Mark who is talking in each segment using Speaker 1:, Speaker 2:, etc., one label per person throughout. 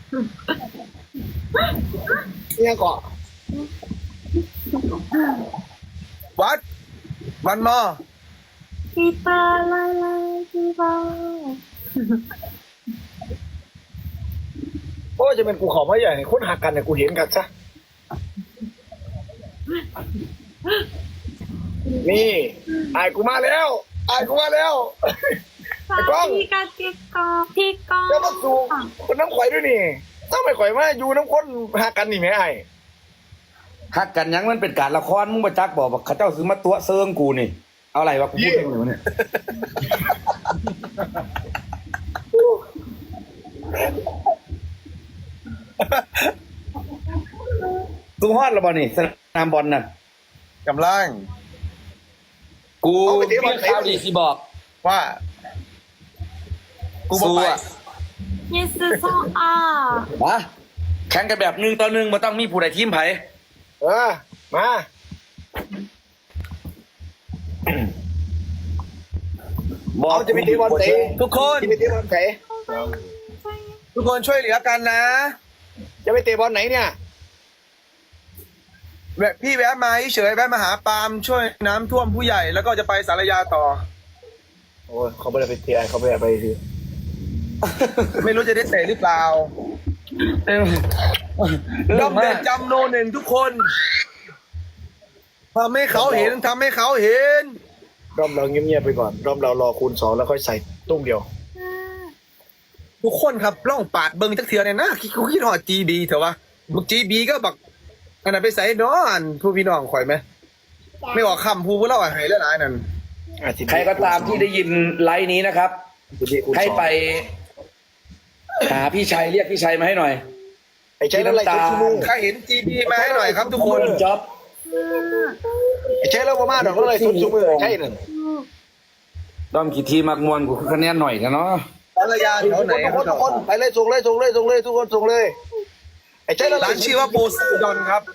Speaker 1: เนี่ยเกาะวัดวันมอ
Speaker 2: พี่ปาลาลาพี่ปา
Speaker 1: โอ้จะเป็นกูขอพระใหญ่คนหักกันเนี่ยกูเห็นกันซะนี่ไอ้กูมาแล้วไอ้กูมาแล้วไอ้กล้อง
Speaker 2: พี่ก็พี่ก็พี่ก็
Speaker 1: แล้วก็สูคนน้ำข่อยด้วยนี่ต้องไปข่อยมาอยู่น้ำคนหักกันนี่ไหมไอ้
Speaker 3: ฮักกันยังมันเป็นการละครมึงมาจักบอกว่าเขาเจ้าซื้อมาตัวเซิงกูนี่เอาอะไรวะกูพูดเองเลยวะเนี่ยตู้ฮอดแล้วบอลนี่สนามบอลน่ะ
Speaker 1: กำลัง
Speaker 3: กู
Speaker 1: เอาไปเตะบอล
Speaker 3: มีข่าวดีสิบอก
Speaker 1: ว่ากูบอก
Speaker 3: สู้
Speaker 1: ไป
Speaker 3: อะ
Speaker 2: ยิสซออา
Speaker 3: มาแข่งกันแบบ1-1มาต้องมีผู้ใดทีมไผ
Speaker 1: มา
Speaker 3: บอก
Speaker 1: เอาจะไปเตะบอลเตะ
Speaker 3: ทุกคน
Speaker 1: จะไปเตะบอลไหนทุกคนช่วยเหลือกันนะ จะไปเตะบอลไหนเนี่ยแบบพี่แวะมาเฉยๆแวะมาหาปาล์มช่วยน้ำท่วมผู้ใหญ่แล้วก็จะไปสารยาต่อ โอ้ยเขาไม่ได้ไปเตะเขาไม่ได้ไปสิ ไม่รู้จะได้เตะหรือเปล่าดอมเด็ดจำโนหนึ่งทุกคนทำให้เขาเห็นทำให้เขาเห็นดอมเราเงียบๆไปก่อนดอมเรารอคูณ 2แล้วค่อยใส่ตุ้มเดียว ทุกคนครับล่องปาดเบิ้งจักเถื่อเนี่ยนะคิดหอดจีบีเถอะวะมึงจีบีก็บักอันนั้นไปใส่นอนผู้พี่น้องข่อยไหมไม่ออกคำพูดเล่าหายแล้วนะนั่น
Speaker 3: ใครก็ตามที่ได้ยินไลฟ์นี้นะครับ ให้ไปหาพี่ชัยเรียกพี่ชัยมาให้หน่อย
Speaker 1: ไอ้ใช้แล้วอะไร
Speaker 3: พี่น้ำตาล
Speaker 1: ชุดมือใครเห็นจีบีมาให้หน่อยครับทุกคน
Speaker 3: จ็อบ
Speaker 1: ไอ้ใช้แล้วประมาณดอกอะไรชุดมือใช่นั่น
Speaker 3: ด้อมกี่ทีมักมวนกูคะแนนหน่อยกันเนาะ
Speaker 1: ภรรยาแถวไหนทุกคนไปเลยส่งเลยทุกคนส่งเลยไอ้ใช้แล้วร้านชื่อว่าโพไซดอนครับ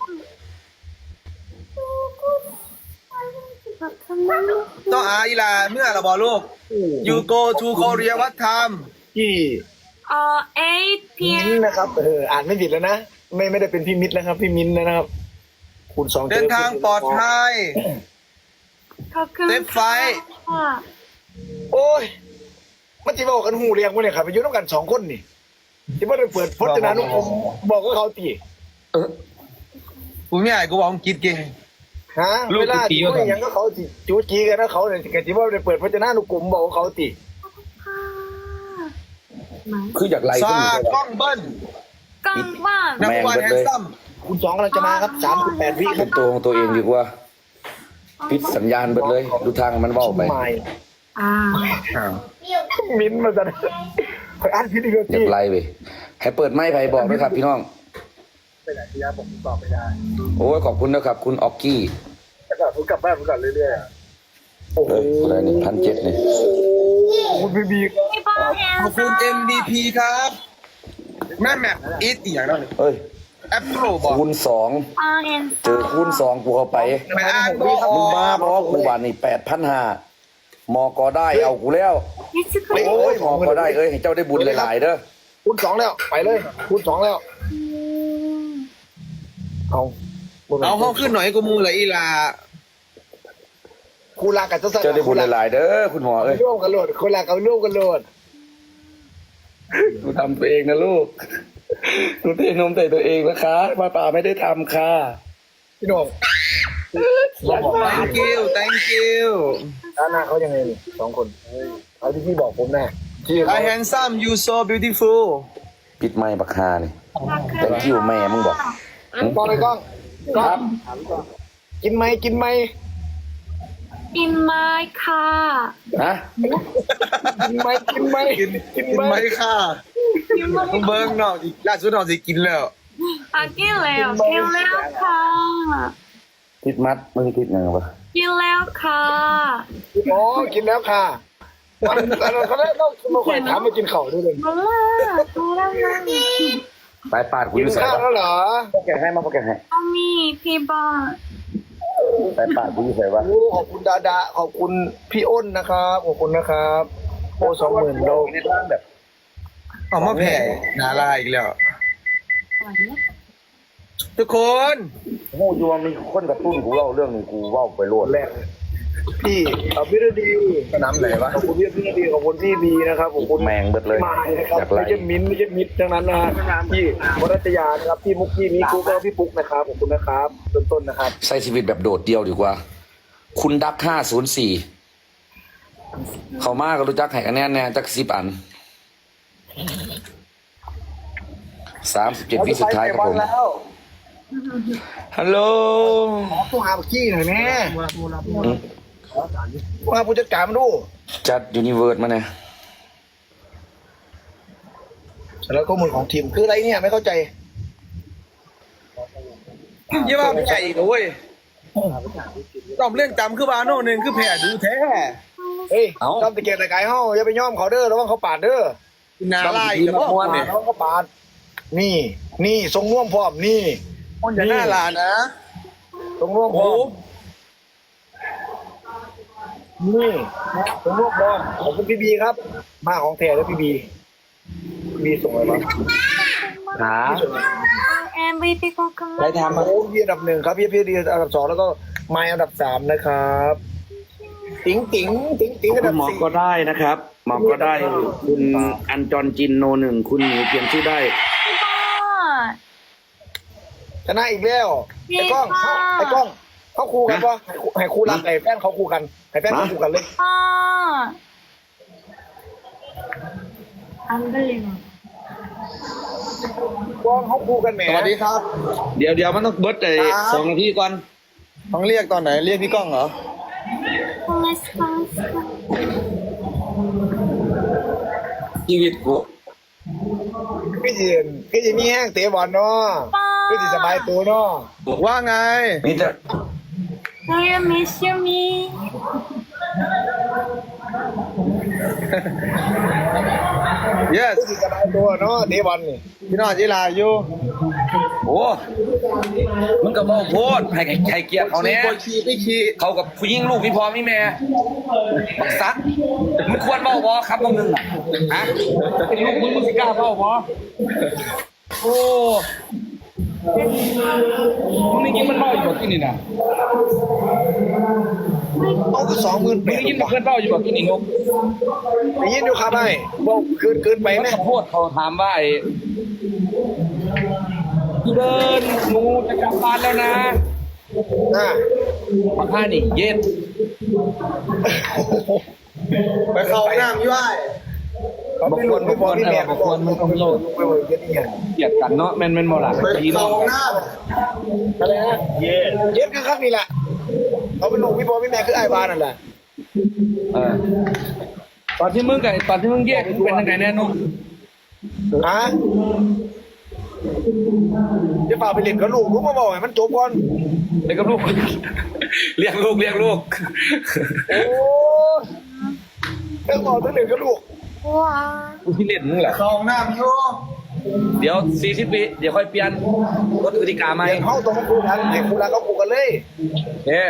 Speaker 1: ต้องอาอีลาเมื่อเราบอกลูก you go to Korea what time ที่
Speaker 2: 8
Speaker 1: มิ้น
Speaker 2: p.m.
Speaker 1: นะครับอ่านไม่ผิดแล้วนะไม่ได้เป็นพี่มิตรนะครับพี่มิ้นนะครับคูณ 2เดินทางปลอดภัย
Speaker 2: ขอบคุณ
Speaker 1: เซฟไฟ
Speaker 2: ค่ะ
Speaker 1: โอ้ยมันจะบอกกันหูเรียงมาเนี่ยครับไปอยู่น้ำกัน2 คนนี่ที่ว่าได้เปิดพจนานุกรมบอกว่าเขาตี
Speaker 4: กูไม่อยากกูบอกมึงคิดเก่ง
Speaker 1: ฮะ
Speaker 4: ลูก
Speaker 1: เวลา
Speaker 4: ตี
Speaker 1: ที่
Speaker 4: ว่า
Speaker 1: ว่าอย่างก็เขาตีจูจีกันนะเขาเนี่ยกันที่ว่าได้เปิดพจนานุกรมบอกว่าเขาตี
Speaker 2: ค่ะไหม
Speaker 3: คืออยากไล่
Speaker 1: ซา
Speaker 3: ขึ้น
Speaker 1: กล้องเบิ้ล
Speaker 2: กังว่าน
Speaker 1: นัก
Speaker 3: แม่ง
Speaker 1: วัน
Speaker 3: เบิด
Speaker 1: แฮน
Speaker 3: เลย
Speaker 1: ซัมคุณ2กำลังจะมาครับ38 วิค
Speaker 3: เป็
Speaker 1: รับ
Speaker 3: นตัวของตัวเองดีกว่าปิดสัญญาณเบิดเลย ดูทางมันเบ้าไป
Speaker 1: ไม่
Speaker 2: อ่า
Speaker 1: มิ้นท์มาจะคอยอ่านพิธีกร
Speaker 3: อยา
Speaker 1: ที่
Speaker 3: กไล่ไปให้เปิดไม้ไผ่บอกด้วยครับพี่น้อง
Speaker 1: ไปไหนที่ยาผมตอบไม่ได้
Speaker 3: โอ้ยขอบคุณนะครับ คุณออกกี้
Speaker 1: แต่ก่อนผมกลับบ้านผมก่อนเรื่อยๆโอ้โห
Speaker 3: เลยอะไรนี่1,700นี่
Speaker 1: คุณพี่บี
Speaker 2: พี่บอลแฮน
Speaker 4: ขอบคุณ MVP ครับแม่แมปอีทอีกอย่างนึง
Speaker 3: เฮ้ย
Speaker 4: แอปเปิลบอก
Speaker 3: คูณ 2
Speaker 2: บอลแฮน
Speaker 3: เจอคูณ 2กูเข้าไป
Speaker 4: ไปอ่านบอก
Speaker 3: มึงมาเพราะกูบานนี่8,500มอก็ได้เอากูแล้ว
Speaker 2: ยิสกุล
Speaker 3: โอ้ยมอก็ได้เอ้ยให้เจ้าได้บุญหลายๆเด้อ
Speaker 1: คูณ 2แล้วไปเลยคูณ 2แล้วเอา
Speaker 4: เอาห้องขึ้นหน่อยกูมูเลยอีลา
Speaker 1: คูลากับเจ้าสัตว์
Speaker 3: เจ้าได้บุญหลายๆเด้อคุณหมอเอ้ย
Speaker 1: ร่วมกันโหลดคูลากับร่วมกันโหลด
Speaker 3: หนูทำตัวเองนะลูกหนูเทนมใส่ตัวเองนะคะป้าป่าไม่ได้ทำค่ะ
Speaker 1: พี่น้อง
Speaker 4: thank you thank you
Speaker 1: ด้านหน้าเขายังไงนี่2 คนเอาที่พี่บอกผมแน่ที่
Speaker 4: I handsome you so beautiful
Speaker 3: ปิดไม้บักฮานี่ thank you แม่มึงบอก
Speaker 1: กล้องเลยกล้องกล้องกินไหม
Speaker 2: อินไมค่ะ
Speaker 3: ฮะ
Speaker 1: กินไหม
Speaker 4: กินไหมค่ะมึงเบิ้งนอกอีกล่าสุดนอกสิกินแล้ว
Speaker 2: กินแล้วค่ะ
Speaker 3: ติดมัดมึงติดยังไงวะ
Speaker 2: กินแล้วค่ะ
Speaker 1: อ๋อกินแล้วค่ะเขาได้ต้องมาคอยถามมากินข้าวด้วยเลย
Speaker 2: มาแล้วนะ
Speaker 3: ไปปาดกู
Speaker 1: กิ
Speaker 3: อน ยู่ใส่
Speaker 1: ข้าว
Speaker 3: ปะ
Speaker 1: แล้วเหรอ
Speaker 3: พวกแกให้มาพวกแกให้
Speaker 2: เอามีพี่บอล
Speaker 3: ไปปาดกูอยู่ใส่ปะ
Speaker 1: โอ้ขอบคุณดาดาขอบคุณพี่อ้นนะครับขอบคุณนะครับโอ้20,000โล
Speaker 3: ในร่างแบบ
Speaker 4: ออกมาแผ่นาลาอีกแล้ว
Speaker 1: ทุกคน
Speaker 3: โง่ยวงมีคนกระตุ้นกูเล่าเรื่องนี้กูเล่าไปโลด
Speaker 1: แรกพี่พี่ฤดีสนามไหนวะ
Speaker 4: ขอบคุณพี่ฤดีขอบคุณพี่บีนะครับขอบคุณ
Speaker 3: แมงเบิดเลย
Speaker 4: มานะครับ
Speaker 3: อยากไล่
Speaker 4: ไม่ใช่มิ้นท์ไม่ใช่มิตรทั้งนั้นนะฮะพี่วรัตยานะครับพี่มุกพี่มิกุแล้วพี่ปุ๊กนะครับขอบคุณนะครับต้นๆนะครับ
Speaker 3: ใช้ชีวิตแบบโดดเดี่ยวดีกว่า คุณดัก504เขามากก็รู้จักให้คะแนนแน่จัก10 อัน37 วิสุดท้ายครับผม
Speaker 4: แล้ว
Speaker 3: ฮัลโหล
Speaker 4: ต้องหาบักกี้หน่อยแม่ต้องหาผู้จัดการมาดู
Speaker 3: จัดยูนิเวิร์สมาเนี่ย
Speaker 4: แล้วข้อมูลของทีมคืออะไรเนี่ยไม่เข้าใจ
Speaker 1: ยี่ว่าไม่ใช่อีกนะเว้ยตอบเรื่องจำคือบาโน่หนึ่งคือแผ่ดูแท้
Speaker 4: เฮ้ยจำตะเกียบตะไคร้เฮ้าอย่าไปย่อมเขาเด้อระวังเขาปาดเด้อ
Speaker 1: นาลายกับพวกเนี่ย
Speaker 4: ระวังเขาปาดนี่ทรงร่วมพร้อมนี่
Speaker 1: คนจะหน้าลานนะ
Speaker 4: ทรงร่วมพ
Speaker 1: โอ้
Speaker 4: ร้อมนี่ทรงร่วมพร้อมขอบคุณพี่บีครับ มาของแท้แล้วพี่บีส่งอะไรมา
Speaker 3: หา
Speaker 2: MVP ของค
Speaker 3: ได้
Speaker 2: ณะ
Speaker 3: ทำมา
Speaker 4: โอ้พี่อันดับ 1ครับพี่ดีอันดับ 2แล้วก็ไมค์อันดับ 3นะครับติ๋งอัน
Speaker 3: คุ
Speaker 4: ดั
Speaker 3: ณ
Speaker 4: บ
Speaker 3: หมอ
Speaker 4: 4
Speaker 3: ก็ได้นะครับ หมอก็ได้ คุณอันจอนจินโนหนึ่งคุณหนูเปลี่ยนชื่อได้
Speaker 4: ชนะอีกแล้วไอ้กล้องเขาคู่กันปะให้คู่รักไอ้แฟนเขาคู่กันให้แฟนเขาคู่กันเลย
Speaker 2: Unbelievable.
Speaker 4: กล้องเขาคู่กันแหม
Speaker 1: สวัสดีครับ
Speaker 3: เดี๋ยวมันต้องเบิร์ดเลย
Speaker 1: ครับ
Speaker 3: 2 นาทีก่อน
Speaker 1: ต้องเรียกตอนไหนเรียกพี่ก้องเหรอ
Speaker 3: ชีวิตกู
Speaker 4: ก็จะมีแห้งเตะบอลเนาะก็จะสบายตัวเนาะ
Speaker 1: ว่าไง
Speaker 3: นี่จะ
Speaker 2: Do you miss me?
Speaker 1: yes
Speaker 4: ก็จะสบายตัวเนาะเตะบอลนี่
Speaker 1: พี่น้องจิลาอยู่
Speaker 3: โอ้มึงก็บอกโพดให้เกียรติเขาแน่
Speaker 1: ปวดขี้ไม่ขี้
Speaker 3: เขากับผู้หญิงลูกมีพ่อมีแม่บักซักมึงควรเบ้าบอครับมึงอ่ะฮะเป็นลูกมึงสิกล้าเบ้าบอโอ้มึงนี่กินมันเบ้าอยู่บ่กินนี่นะ
Speaker 4: เอาก็20,000
Speaker 3: มึงนี่กินมันเพื่อนเบ้าอยู่บ่กินนี่นก
Speaker 4: ได้ยินอยู่ครับไอ้บอกเกินไป
Speaker 3: มัน
Speaker 4: ไหม
Speaker 3: ขอโทษเขาถามว่าไอ้เดินหนูจะกลับบ้านแล้วนะ
Speaker 4: อ่า
Speaker 3: มาค่านี่เย็น
Speaker 1: ไปเข้าน้ำย่อย
Speaker 4: เขาไม่หลุดไม่พอพี่แม่ไปบอกมันต้องโลดไปบอกกันนี่
Speaker 3: เกลียดกันเนาะแม่นบ่ล่ะ
Speaker 1: ไป
Speaker 3: พี่น้
Speaker 1: เข้า
Speaker 3: อง
Speaker 1: น้
Speaker 4: อะไรนะเย็ดคือครับนี่แหละเขาเป็นลูกพี่พ่อพี่แม่คือไอ้บ้านนั่นแหละ
Speaker 3: ตอนที่มึงแยกมึงเป็นยังไงแน่นุ่ม
Speaker 4: ฮะจะฝากไปเล่นกับลูกลูกมาบอกให้มันจบก่อน
Speaker 3: เด็กกับลูก เรียกลูก
Speaker 4: โอ้เรื่องบอกต้องเล่นกับลูก
Speaker 3: กูที่เล่นมึงแหละ
Speaker 1: ำเข้าน้ำอยู่
Speaker 3: เดี๋ยว40 วิเดี๋ยวค่อยเปลี่ยนกฎกติกาใหม่
Speaker 4: เดี๋ยวเขาต้องมาคุยกันให้คุยกันเขาคุยกันเลย
Speaker 3: เฮ้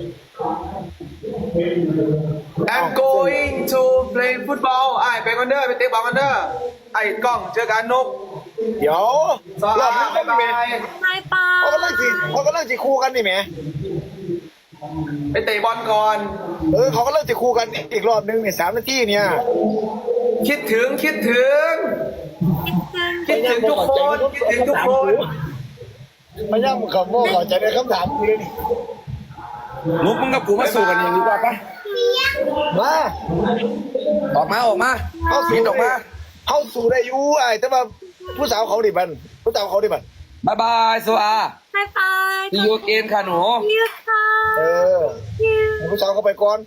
Speaker 1: I'm going to play football ไอ้ไปกันเด้อไปเตะบอลกันเด้อไอ้กล้องเจอกันนก
Speaker 4: เดี๋ยว
Speaker 1: สวัส
Speaker 4: รอบ
Speaker 1: ดี
Speaker 4: นี้ก็
Speaker 1: บ๊าย
Speaker 4: มี
Speaker 1: บาย
Speaker 2: Bye
Speaker 4: เขาก็เลิ
Speaker 2: bye.
Speaker 4: เขาก็เลิกจีคู่กันนี่แหม
Speaker 1: ไปเตะบอลก่อน
Speaker 4: เขาก็เลิกจีคู่กันอีกรอบนึงเนี่ย3 นาทีเนี่ย
Speaker 1: คิดถึงคิดถึงทุกคนคิดถึงทุกคน
Speaker 4: ไม่ย่ำคำว่าขอใจในคำถามกูเลยนี่
Speaker 3: นุกมึงกับกูมาสู้กันอย่างดีกว่าปะ
Speaker 4: มา
Speaker 3: ออกมา
Speaker 4: เข้า
Speaker 3: บิ
Speaker 4: สู่
Speaker 3: นออกมา
Speaker 4: เข้าสู่ได้อยู่ไอ้แต่ว่าผู้สาวเขาดิบันผู้สาวเขาดิบัน
Speaker 3: บายบายโซอา
Speaker 2: Bye bye.
Speaker 3: ที่ยูเกนค่ะหนู
Speaker 2: You
Speaker 4: เอ
Speaker 2: too.
Speaker 4: ให้ผู้สาวเขาไปก่อน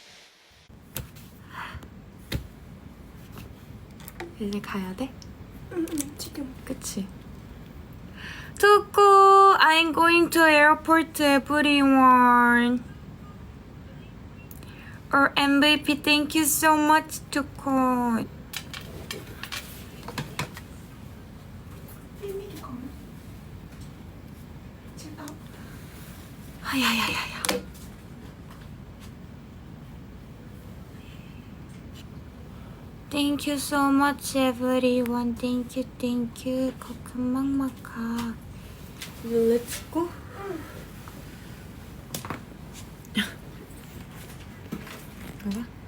Speaker 2: 이제 가야 돼? 지금 그치? 두고 I'm going to airport everyone. Or MVP, thank you so much, 두고. 아야야야야. Thank you so much everyone. Thank you, thank you. ขอบคุณมากมากค่ะ Let's go. 뭐야?